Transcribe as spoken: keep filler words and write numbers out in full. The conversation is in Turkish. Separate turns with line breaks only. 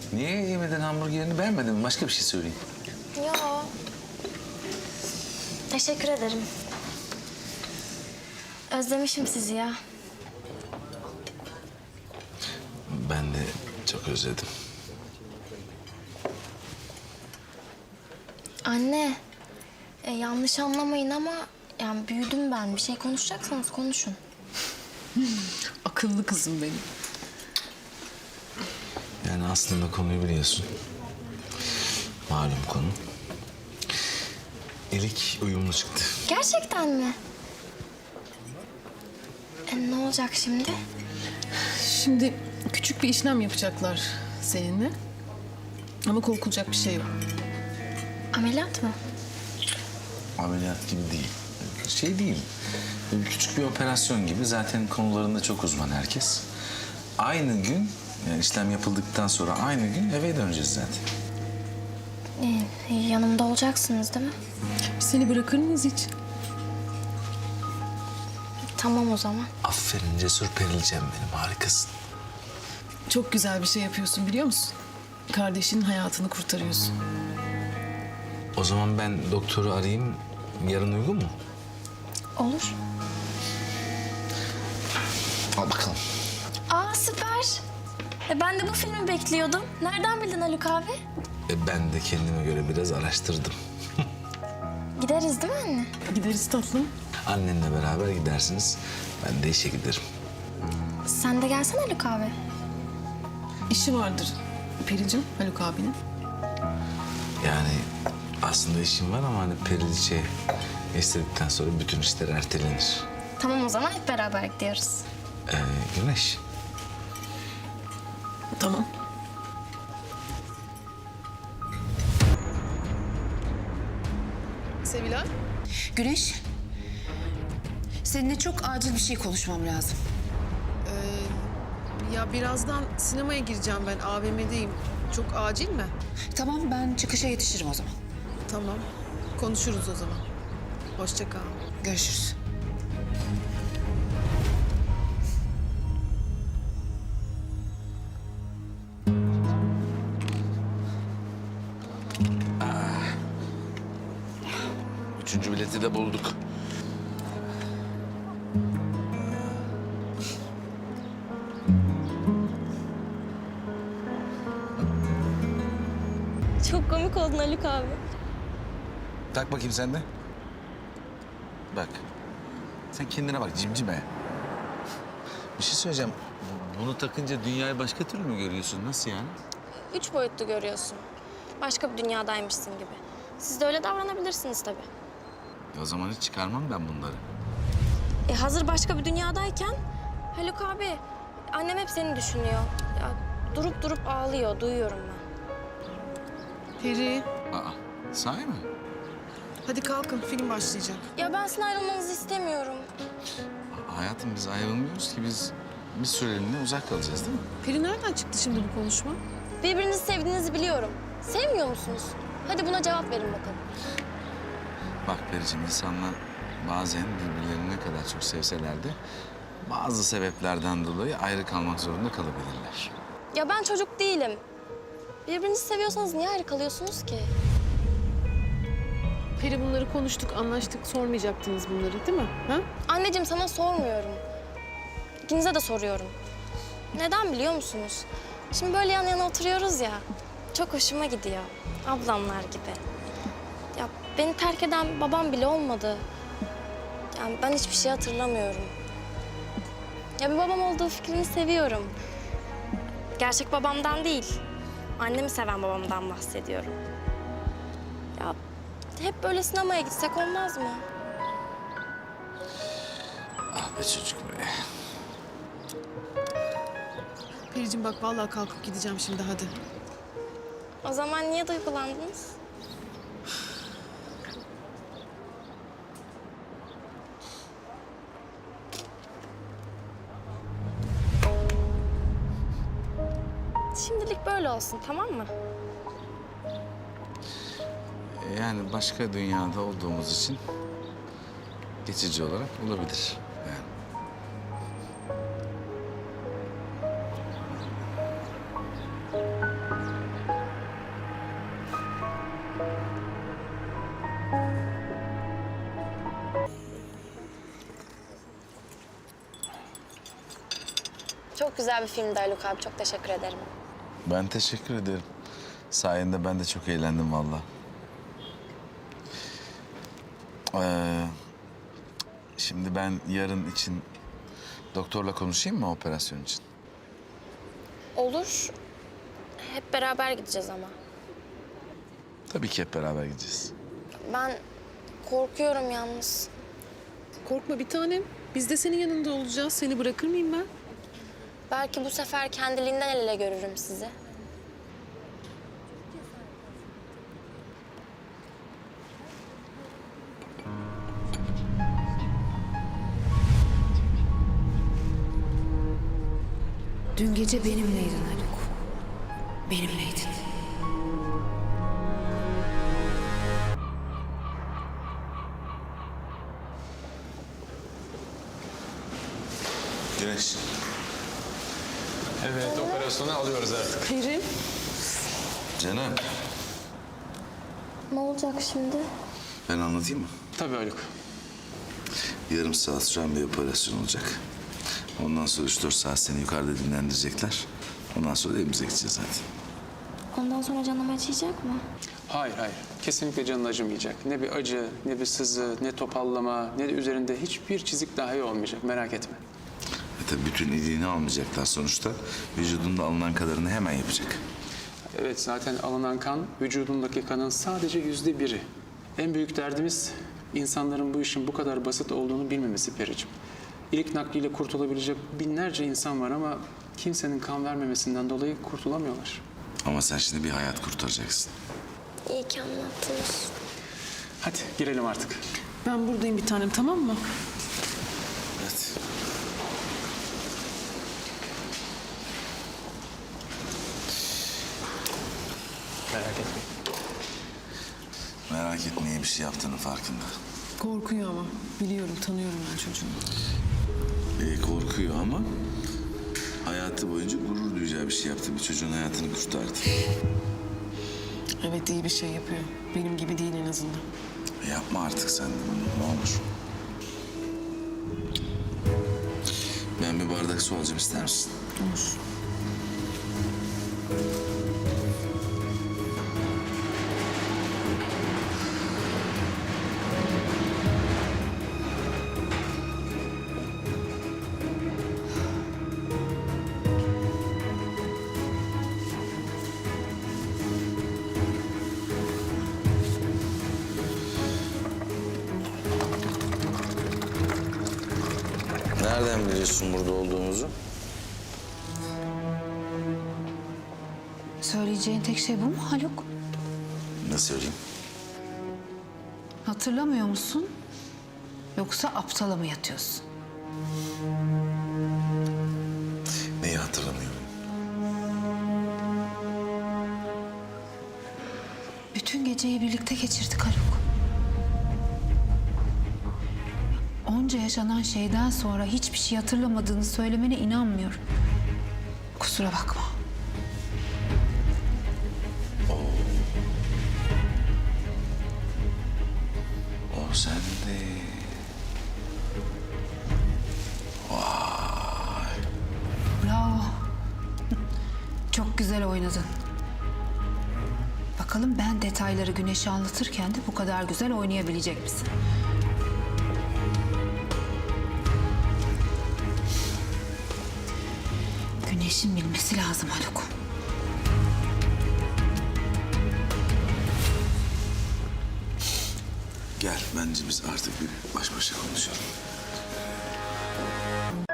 Niye yemeden hamburgerini beğenmedin mi? Başka bir şey söyleyeyim.
Yo. Teşekkür ederim. Özlemişim sizi ya.
Ben de çok özledim.
Anne, e, yanlış anlamayın ama yani büyüdüm ben. Bir şey konuşacaksanız konuşun.
Akıllı kızım benim.
Yani aslında konuyu biliyorsun. Malum konu. İlik uyumlu çıktı.
Gerçekten mi? E, ne olacak şimdi?
Şimdi küçük bir işlem yapacaklar seninle. Ama korkulacak bir şey yok.
Ameliyat mı?
Ameliyat gibi değil. Şey değil. Küçük bir operasyon gibi. Zaten konularında çok uzman herkes. Aynı gün, yani işlem yapıldıktan sonra aynı gün eve döneceğiz zaten.
E, yanımda olacaksınız değil mi?
Biz seni bırakır mıyız hiç?
Tamam o zaman.
Aferin cesur Perilcem benim, harikasın.
Çok güzel bir şey yapıyorsun biliyor musun? Kardeşinin hayatını kurtarıyorsun.
O zaman ben doktoru arayayım. Yarın uygun mu?
Olur.
Al bakalım.
Aa süper. E, ben de bu filmi bekliyordum. Nereden bildin Haluk abi?
E, ben de kendime göre biraz araştırdım.
Gideriz değil mi anne?
Gideriz tatlım.
Annenle beraber gidersiniz. Ben de işe giderim.
Sen de gelsene Haluk abi.
İşi vardır Pericim, Haluk abinin.
Yani aslında işim var ama hani Periliçe istedikten sonra bütün işler ertelenir.
Tamam o zaman hep beraber gidiyoruz.
Ee, Güneş.
Tamam. Sevilay.
Güneş, seninle çok acil bir şey konuşmam lazım.
Ya birazdan sinemaya gireceğim ben. A V M'deyim. Çok acil mi?
Tamam, ben çıkışa yetişirim o zaman.
Tamam. Konuşuruz o zaman. Hoşça kal.
Görüşürüz.
Üçüncü bileti de bulduk.
Çok komik oldun Haluk abi.
Tak bakayım sen de. Bak. Sen kendine bak cimcime. Bir şey söyleyeceğim. Bunu takınca dünyayı başka türlü mü görüyorsun? Nasıl yani?
Üç boyutlu görüyorsun. Başka bir dünyadaymışsın gibi. Siz de öyle davranabilirsiniz tabii.
E o zaman hiç çıkarmam ben bunları.
E hazır başka bir dünyadayken Haluk abi annem hep seni düşünüyor. Ya, durup durup ağlıyor duyuyorum ben.
Peri,
Aa, sahi mi?
hadi kalkın. Film başlayacak.
Ya ben sizin ayrılmanızı istemiyorum.
Aa, hayatım biz ayrılmıyoruz ki biz bir süreliğine uzak kalacağız değil mi?
Peri nereden çıktı şimdi bu konuşma?
Birbirinizi sevdiğinizi biliyorum. Sevmiyor musunuz? Hadi buna cevap verin bakalım.
Bak Periciğim, insanlar bazen birbirlerini ne kadar çok sevseler de bazı sebeplerden dolayı ayrı kalmak zorunda kalabilirler.
Ya ben çocuk değilim. Birbirinizi seviyorsanız niye ayrı kalıyorsunuz ki?
Peri bunları konuştuk, anlaştık. Sormayacaktınız bunları değil mi? Ha?
Anneciğim sana sormuyorum. İkinize de soruyorum. Neden biliyor musunuz? Şimdi böyle yan yana oturuyoruz ya. Çok hoşuma gidiyor. Ablamlar gibi. Ya beni terk eden babam bile olmadı. Yani ben hiçbir şey hatırlamıyorum. Ya bir babam olduğu fikrini seviyorum. Gerçek babamdan değil. Annemi seven babamdan bahsediyorum. Ya hep böyle sinemaya gitsek olmaz mı?
Ah be çocuk be.
Pericim bak vallahi kalkıp gideceğim şimdi hadi.
O zaman niye duygulandınız? Şimdilik böyle olsun, tamam mı?
Yani başka dünyada olduğumuz için geçici olarak olabilir. Yani.
güzel bir filmdi Haluk abi. Çok teşekkür ederim.
Ben teşekkür ederim. Sayende ben de çok eğlendim vallahi. Ee, şimdi ben yarın için doktorla konuşayım mı operasyon için?
Olur. Hep beraber gideceğiz ama.
Tabii ki hep beraber gideceğiz.
Ben korkuyorum yalnız.
Korkma bir tanem. Biz de senin yanında olacağız. Seni bırakır mıyım ben?
Belki bu sefer kendiliğinden el ele görürüm sizi.
Dün gece benimleydin Haluk. Benimleydin.
Güneş.
Evet, operasyonu alıyoruz artık.
Kerim.
Canım.
Ne olacak şimdi?
Ben anlatayım mı?
Tabii Haluk.
Yarım saat süren bir operasyon olacak. Ondan sonra üç dört saat seni yukarıda dinlendirecekler. Ondan sonra da evimize gideceğiz zaten.
Ondan sonra canım acıyacak mı?
Hayır, hayır. Kesinlikle canın acımayacak. Ne bir acı, ne bir sızı, ne topallama, ne de üzerinde hiçbir çizik dahi olmayacak. Merak etme.
E tabii bütün iyiliğini almayacaklar sonuçta. Vücudunda alınan kadarını hemen yapacak.
Evet, zaten alınan kan vücudundaki kanın sadece yüzde biri. En büyük derdimiz insanların bu işin bu kadar basit olduğunu bilmemesi Periciğim. İlk nakliyle kurtulabilecek binlerce insan var ama kimsenin kan vermemesinden dolayı kurtulamıyorlar.
Ama sen şimdi bir hayat kurtaracaksın.
İyi ki anlattınız.
Hadi girelim artık.
Ben buradayım bir tanem, tamam mı?
Evet.
Merak etmeyin.
Merak etme, iyi bir şey yaptığının farkında.
Korkuyor ama. Biliyorum, tanıyorum ben çocuğunu.
E, korkuyor ama hayatı boyunca gurur duyacağı bir şey yaptı. Bir çocuğun hayatını kurtardı.
Evet, iyi bir şey yapıyor. Benim gibi değil en azından.
E, yapma artık sen de bunu, ne olur. Ben bir bardak su alacağım, ister misin?
Olur.
Nereden biliyorsun burada olduğumuzu?
Söyleyeceğin tek şey bu mu Haluk?
Ne söyleyeyim?
Hatırlamıyor musun? Yoksa aptala mı yatıyorsun?
Neyi hatırlamıyorum?
Bütün geceyi birlikte geçirdik Haluk. Onca yaşanan şeyden sonra hiçbir şey hatırlamadığını söylemene inanmıyorum. Kusura bakma.
O sende. Vay.
Bravo. Çok güzel oynadın. Bakalım ben detayları Güneş'e anlatırken de bu kadar güzel oynayabilecek misin? Güneş'in bilmesi lazım Haluk.
Gel, bence biz artık bir baş başa konuşalım.